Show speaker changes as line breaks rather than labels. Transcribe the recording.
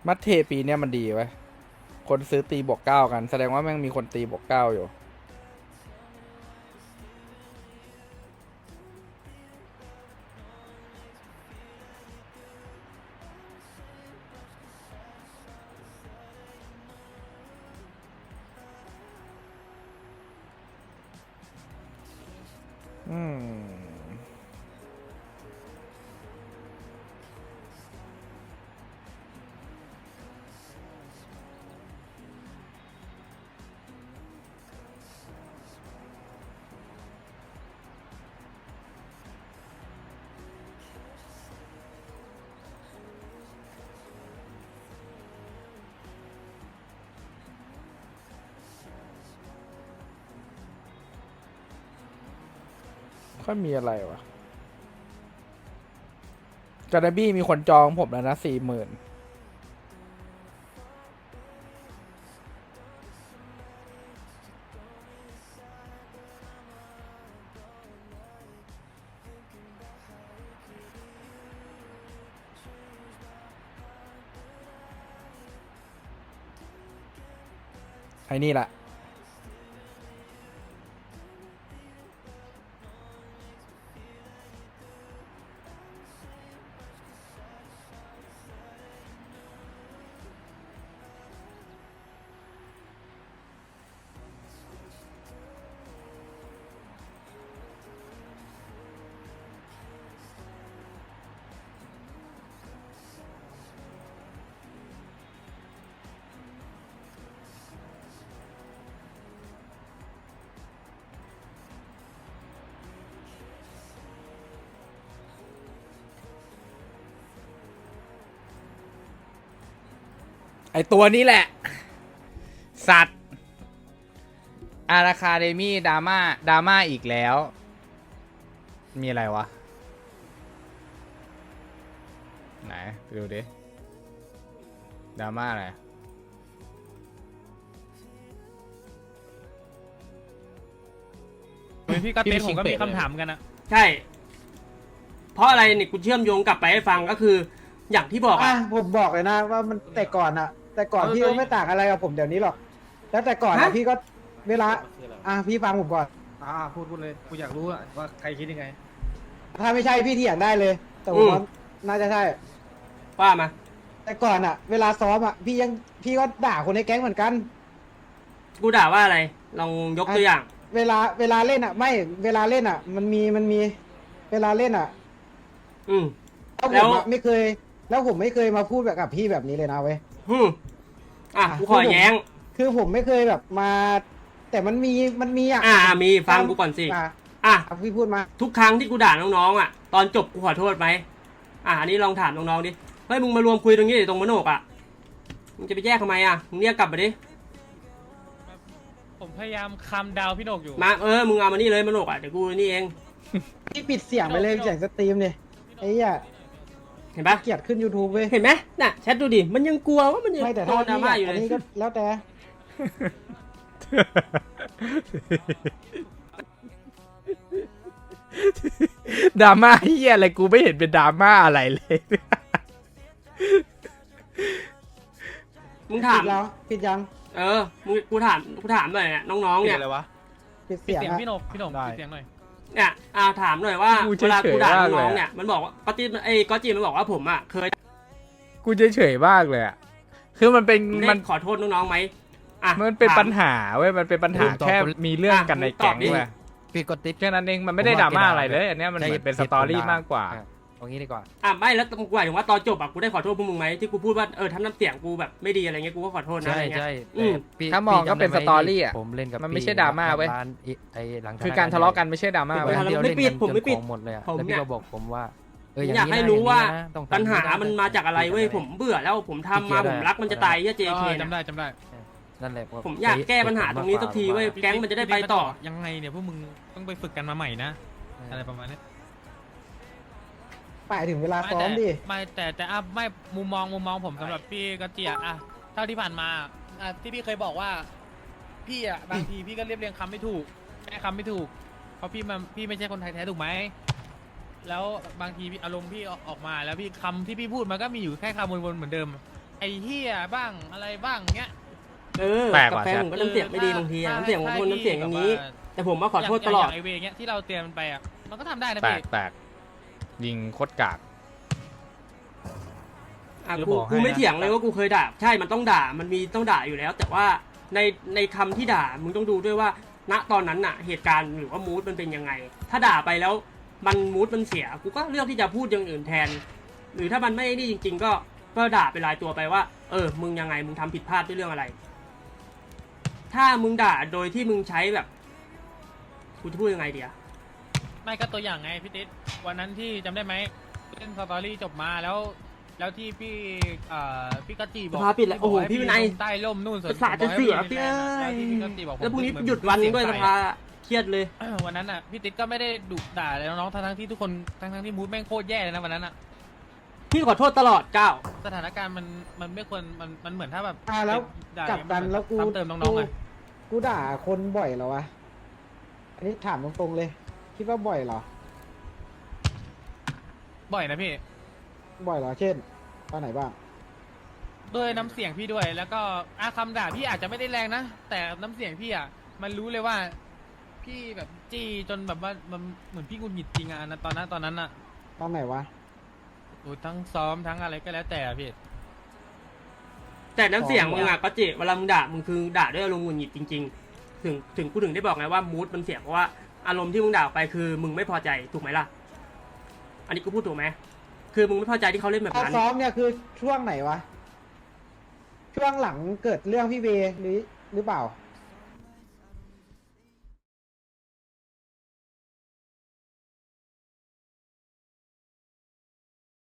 มัดเทปีเนี้ยมันดีไว้ยคนซื้อตีบวกเก้ากันแสดงว่าแม่งมีคนตีบวกเก้าอยู่ อืมค่อยมีอะไรวะจาร์บี้มีคนจองผมแล้วนะ40,000ไอ้นี่แหละไอตัวนี้แหละ สัตว์อาราคาเดมี่ดราม่าอีกแล้ว มีอะไรวะ ไหนไปดูดิดราม่าอะไร
พี่ก็เต้นผมก็มีคำถามกันนะ
ใช่ เพราะอะไรเนี่ยกูเชื่อมโยงกลับไปให้ฟังก็คือ อย่างที่บอกอะ
ผมบอกเลยนะว่ามันแต่ก่อนพี่ก็ไม่ต่างอะไรกับผมเดี๋ยวนี้หรอกแล้วแต่ก่อนนะพี่ก็เวลาพี่ฟังผมก่อน
พูดเลยกูอยากรู้ว่าใครคิดยังไง
ถ้าไม่ใช่พี่เถียงได้เลย แต่ผมว่าน่าจะใช่
ว่ามา
แต่ก่อนเวลาซ้อมพี่ก็ด่าคนในแก๊งเหมือนกัน
กูด่าว่าอะไร ลองยกตัวอย่าง
เวลาเล่นไม่เวลาเล่นมันมีเวลาเล่น
อืม
แล้วผมไม่เคย แล้วผมไม่เคยมาพูดแบบกับพี่แบบนี้เลยนะเว้ย
กูขอแย้ง
คือผมไม่เคยแบบมา แต่มันมี
มีฟังกูก่อนสิ
พี่พูดมา
ทุกครั้งที่กูด่าน้องๆอ่ะ ตอนจบกูขอโทษไหมอันนี้ลองถามน้องๆดิ เฮ้ยมึงมารวมคุยตรงนี้ดิตรงมโนกอ่ะ มึงจะไปแยกทำไมมึงเรียกกลับมาดิ
ผมพยายามคำดาวพี่โหนกอยู่
มามึงเอามานี่เลยมโนกเดี๋ยวกูนี่เอง
พี่ปิดเสียงไปเลยเสียงสตรีมเนี่ยไอ้เหี้ย
เห็นปะ
เกลียดขึ้น YouTube เว้ย
เห็นไหมน่ะแชทดูดิ มันยังกลัวว่ามันยัง
ไม่แต่
โด
ถ้าน
ดราม่าอยู่
อั
เลย
นนี้ก็แล้วแต่
ดราม่าเฮียอะไรกูไม่เห็นเป็นดราม่าอะไรเลย
มึงถาม
ปิดยัง
กูถามหน่อยเนี่ยน้องๆเนี่ย
อะไรวะ
ปิด
ปิด
เสียง
เสียง
อะ
พี่โหนกปิดเสียงหน่อย
เนี่ยถามหน่อยว่า
กู
เวลากูด่า
เฉยๆมากเลย
น้อง
อะ
ๆเนี่ยมันบอกว่าก็จีมันบอกว่าผมเคย
กูเฉยๆมากเลยอ่ะคือมันเป็น
ได้
มัน
ขอโทษน้องๆไหม
มันเป็น
ถาม
ปัญหาเว้ยมันเป็นปัญหาแค่มีเรื่องกันในแก๊ง
ตอบดิ
เว้ย
พี่กดติ๊บ
แค่นั้นเองมันไม่ได้ดราม่าอะไรเลยอันเนี้ยมันเหมือนเป็นสตอรี่มากกว่า
เอางี้ดีกว่า
ไม่แล้วกูหมายถึงว่าตอนจบกูได้ขอโทษพวกมึงไหมที่กูพูดว่าทำน้ำเสียงกูแบบไม่ดีอะไรเงี้ยกูก็ขอโทษนะ
ใช่
อะไรเงี้ย
ใช่
อืม
พี่
ถ้ามองก็เป็น
พี่จำได้ไห
สตอรี่อะ
ผมเล่นกับ
มันไม่
พี่
ใช่ดราม่าเว้ย
ร้นไอ้หลัง
คือการทะเลาะกันไม่ใช่ดราม่า
ไป
เว้ย
วันเดียว
ไม่
เล่น
ปิด
กัน
ผมไม่
จน
ปิด
ของหมดเลยอะ
ผม
แล้ว
เนี่
พี่
ย
ก็บอกผมว่า
อยาก
อย่างนี้
ให้
นะ
รู้ว่า
อย่งนี้นะต้องทำ
ปัญหา
อย่ง
มันมาจากอะไรเว้ยผมเบื่อแล้วผมทำมาผมรักมันจะตายเจ๊เค
จำได้
นั่นแหละ
ผมอยากแก้ปัญหาตรงนี้สักทีเว้ยแก๊งมันจะได้ไปต่อ
ยังไงเนี่ยพวกมึงต้องไปฝึกกันมาใหม่นะอะไรประมาณนี้
ไปถึงเวลาซ้อมดิ
ไม่แต่ไม่มุมมองผมสำหรับพี่ก็เจียเท่าที่ผ่านมาที่พี่เคยบอกว่าพี่บางทีพี่ก็เรียบเรียงคำไม่ถูกแก้คำไม่ถูกเพราะพี่ไม่ใช่คนไทยแท้ถูกไหมแล้วบางทีอารมณ์พี่ออกมาแล้วพี่คำที่พี่พูดมันก็มีอยู่แค่คำวนๆเหมือนเดิมไอ้เหี้ยบ้างอะไรบ้างเงี้ย
แปลก
กับ
ว่ะ
แฟนผมก็น้ำเสียงไม่ดีบางทีอะน้ำเสียงของคนน้ำเสียงอย่างนี้ แต่ผมมาขอโทษตลอด
ย่างไอเวเงี้ยที่เราเตรียมมันไปอ่ะมันก็ทำได้นะ
แปล
พี่
กแปลกยิงโคตรกาก
อ่ะ
จะ
กู
บอกให้
กูไม่
นะ
เถียงเลยว่ากูเคยด่าใช่มันต้องด่ามันมีต้องด่าอยู่แล้ว แต่ว่าในคำที่ด่ามึงต้องดูด้วยว่า ณตอนนั้นน่ะ เหตุการณ์หรือว่ามูดมันเป็นยังไง ถ้าด่าไปแล้วมันมูดมันเสียกูก็เลือกที่จะพูดอย่างอื่นแทน หรือถ้ามันไม่นี่จริง ๆ ก็ด่าไปรายตัวไปว่ามึงยังไงมึงทำผิดพลาดด้วยเรื่องอะไร ถ้ามึงด่าโดยที่มึงใช้แบบกูจะพูดยังไงเดีย
ไม่ก็ตัวอย่างไงพี่ติ๊ดวันนั้นที่จำได้ไหมเล่นสตอรี่จบมาแล้วที่พี่กัจจีบอก
สภาปิดแล้วโอ้โห
ให้
พี่วินัย
ลงใต้ร่มนู่น
ประสาทจะเสียพี่เอ้ย
แล้วที่พี่กัจจีบอกผม
แล้วพรุ่งนี้
เหมือ
หยุดวันหนึงด้วย
เสี
ส
ง
ภาเครียดเลย
วันนั้นอ่ะพี่ติ๊ดก็ไม่ได้ดุด่าเลยน้องๆทั้งที่ทุกคนทั้งที่มูดแม่งโคตรแย่เลยนะวันนั้นอ่ะ
พี่ขอโทษตลอดก้าว
สถานการณ์มันไม่ควรมันเหมือนถ้าแบบ
แล้ว
ด่า
กลับกันแล้วกู
ซ้ำเติมน้องๆไง
กูด่าคนบ่อยเหรอวะ อันนี้ถามตรงๆเลย คิดว่าบ่อยเหรอ
บ่อยนะพี่
บ่อยเหรอ เช่น ตอนไหนบ้าง
ด้วยน้ำเสียงพี่ด้วย แล้วก็คำด่าพี่อาจจะไม่ได้แรงนะ แต่น้ำเสียงพี่อ่ะมันรู้เลยว่า พี่แบบจี้จนแบบว่ามันเหมือนพี่หงุดหงิดจริงอ่ะตอนนั้นอ่ะ
ตอนไหนวะ
โอ้ยทั้งซ้อมทั้งอะไรก็แล้วแต่อะพี่
แต่น้ำเสียงมึงอะก็เจเวลามึงด่ามึงคือด่าด้วยอารมณ์หงุดหงิดจริงๆ ถึงกูถึงได้บอกไงว่ามูดมันเสียเพราะว่าอารมณ์ที่มึงด่าออกไปคือมึงไม่พอใจถูกไหมล่ะ อันนี้กูพูดถูกไหมคือมึงไม่พอใจที่เขาเล่นแบบ
ตอน
นั้น
ซ้อมเนี่ยคือช่วงไหนวะ ช่วงหลังเกิดเรื่องพี่เวหรือเปล่า